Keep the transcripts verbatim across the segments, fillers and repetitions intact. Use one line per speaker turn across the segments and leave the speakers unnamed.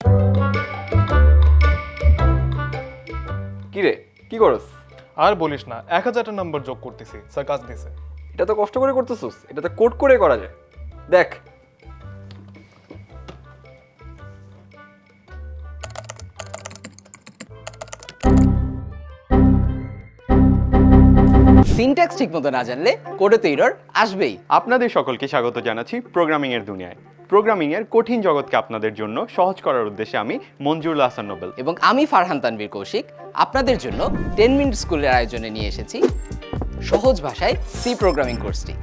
কি রে, কি করস?
আর বলিস না, এক হাজারটা নাম্বার যোগ করতেছি, স্যার কাজ দিছে।
এটা তো কষ্ট করে করতেছিস, এটা তো কোড করে করা যায়। দেখ,
সিনট্যাক্স ঠিকমতো না জানলে কোডে তো এরর আসবেই।
আপনাদের সকলকে স্বাগত জানাচ্ছি প্রোগ্রামিং এর দুনিয়ায়। প্রোগ্রামিং এর কঠিন জগৎকে আপনাদের জন্য সহজ করার উদ্দেশ্যে আমি মঞ্জুরুল হাসান নোবেল
এবং আমি ফারহান তানভীর কৌশিক আপনাদের জন্য টেন মিনিট স্কুলের আয়োজনে নিয়ে এসেছি সহজ ভাষায় সি প্রোগ্রামিং কোর্সটি।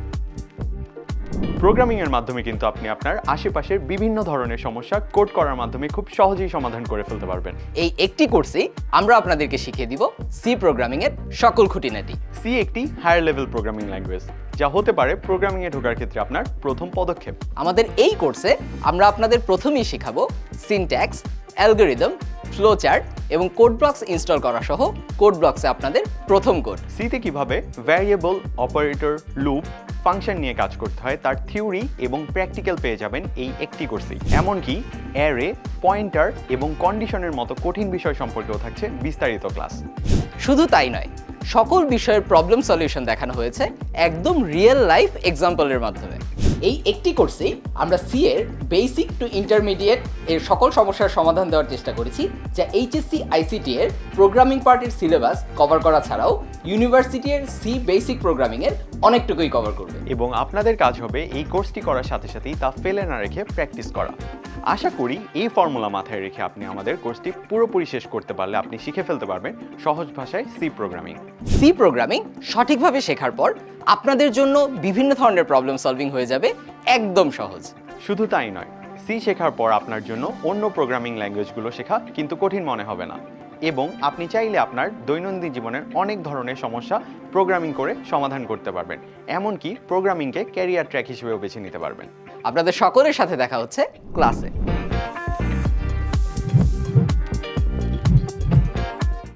প্রোগ্রামিং এর মাধ্যমে কিন্তু আপনি আপনার আশেপাশের বিভিন্ন ধরনের সমস্যা কোড করার মাধ্যমে খুব সহজেই সমাধান করে ফেলতে পারবেন।
এই একটি কোর্সেই আমরা আপনাদেরকে শিখিয়ে দিব সি প্রোগ্রামিং এর সকল খুঁটিনাটি।
সি একটি হায়ার লেভেল প্রোগ্রামিং ল্যাঙ্গুয়েজ, যা হতে পারে প্রোগ্রামিং এ ঢোকার ক্ষেত্রে আপনার প্রথম পদক্ষেপ।
আমাদের এই কোর্সে আমরা আপনাদের প্রথমেই শেখাবো সিনট্যাক্স, অ্যালগরিদম, ফ্লোচার্ট এবং কোড ব্লকস ইনস্টল করা সহ কোড ব্লকসে আপনাদের প্রথম কোড।
সিতে কিভাবে ভ্যারিয়েবল, অপারেটর, লুপ, ফাংশন নিয়ে কাজ করতে হয় তার থিওরি এবং প্র্যাকটিক্যাল পেয়ে যাবেন এই একটি কোর্সেই। এমনকি অ্যারে, পয়েন্টার এবং কন্ডিশনের মতো কঠিন বিষয় সম্পর্কেও থাকছে বিস্তারিত ক্লাস।
শুধু তাই নয়, সকল বিষয়ের প্রবলেম সলিউশন দেখানো হয়েছে একদম রিয়েল লাইফ এক্সাম্পলের মাধ্যমে। এই একটি কোর্সেই আমরা সি এর বেসিক টু ইন্টারমিডিয়েট এর সকল সমস্যার সমাধান দেওয়ার চেষ্টা করেছি, যা এইচএসসি আইসিটি এর প্রোগ্রামিং পার্টের সিলেবাস কভার করা ছাড়াও ইউনিভার্সিটি এর সি বেসিক প্রোগ্রামিং এর অনেকটুকুই কভার করবে।
এবং আপনাদের কাজ হবে এই কোর্সটি করার সাথে সাথেই তা ফেলে না রেখে প্র্যাকটিস করা। আশা করি এই ফর্মুলা মাথায় রেখে আপনি আমাদের কোর্সটি পুরোপুরি শেষ করতে পারলে আপনি শিখে ফেলতে পারবেন সহজ ভাষায় সি প্রোগ্রামিং।
সি প্রোগ্রামিং সঠিকভাবে শেখার পর আপনাদের জন্য বিভিন্ন ধরনের প্রবলেম সলভিং হয়ে যাবে একদম সহজ।
শুধু তাই নয়, সি শেখার পর আপনার জন্য অন্য প্রোগ্রামিং ল্যাঙ্গুয়েজগুলো শেখা কিন্তু কঠিন মনে হবে না, এবং আপনি চাইলে আপনার দৈনন্দিন জীবনের অনেক ধরনের সমস্যা প্রোগ্রামিং করে সমাধান করতে পারবেন। এমনকি প্রোগ্রামিংকে ক্যারিয়ার ট্র্যাক হিসেবেও বেছে নিতে পারবেন।
আপনাদের সকলের সাথে দেখা হচ্ছে ক্লাসে।